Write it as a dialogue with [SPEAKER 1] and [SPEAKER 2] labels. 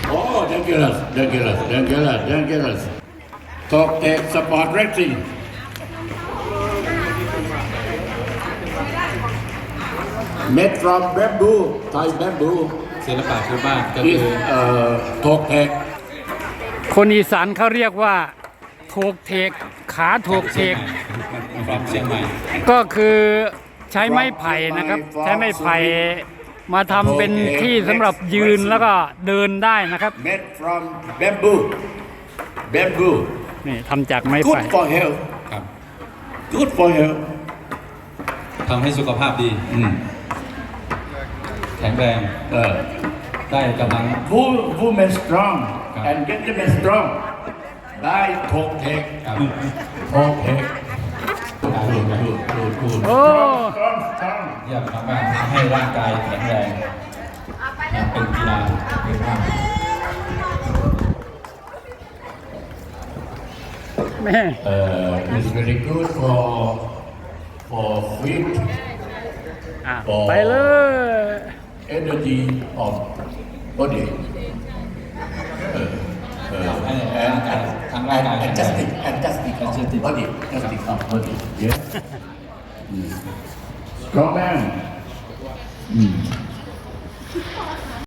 [SPEAKER 1] Oh, dangerous, dangerous, dangerous, dangerous. Top Tech Sport Racing. Made from bamboo, Thai bamboo.
[SPEAKER 2] ศิลปะพื้นบ้านก็
[SPEAKER 1] Is
[SPEAKER 2] คือ
[SPEAKER 1] Top Tech.
[SPEAKER 3] คนอีสานเขาเรียกว่าโถกเทกขาโถกเทก
[SPEAKER 2] from เชียงใหม่
[SPEAKER 3] ก็คือใช้ไม้ไผ่นะครับ ใช้ไม้ไผ่มาทำเป็นที่สำหรับยืนแล้วก็เดินได้นะครับ
[SPEAKER 1] Made from bamboo. Bamboo.
[SPEAKER 3] นี่ทำจากไม้ไผ่
[SPEAKER 1] Good for health.
[SPEAKER 2] ครับ
[SPEAKER 1] Good for health.
[SPEAKER 2] ทำให้สุขภาพดี แข็งแรง ได้กำลัง
[SPEAKER 1] Women strong
[SPEAKER 2] ครับ
[SPEAKER 1] and gentlemen strong. ได้ทกเทค
[SPEAKER 2] ครับ
[SPEAKER 1] ทกเทคพูด
[SPEAKER 3] โอ้
[SPEAKER 1] strong
[SPEAKER 2] เยี่ยมมากๆทำให้ร่างกายแข็งแรงเป็นกีฬาเป็นภาพ
[SPEAKER 3] แม่
[SPEAKER 1] is very good for fit
[SPEAKER 3] อ่ะไปเลย
[SPEAKER 1] energy of body
[SPEAKER 2] ให้ร่างกายทั้งร่างกายแข็งแรง
[SPEAKER 1] adjusting of body adjusting of body yes strong man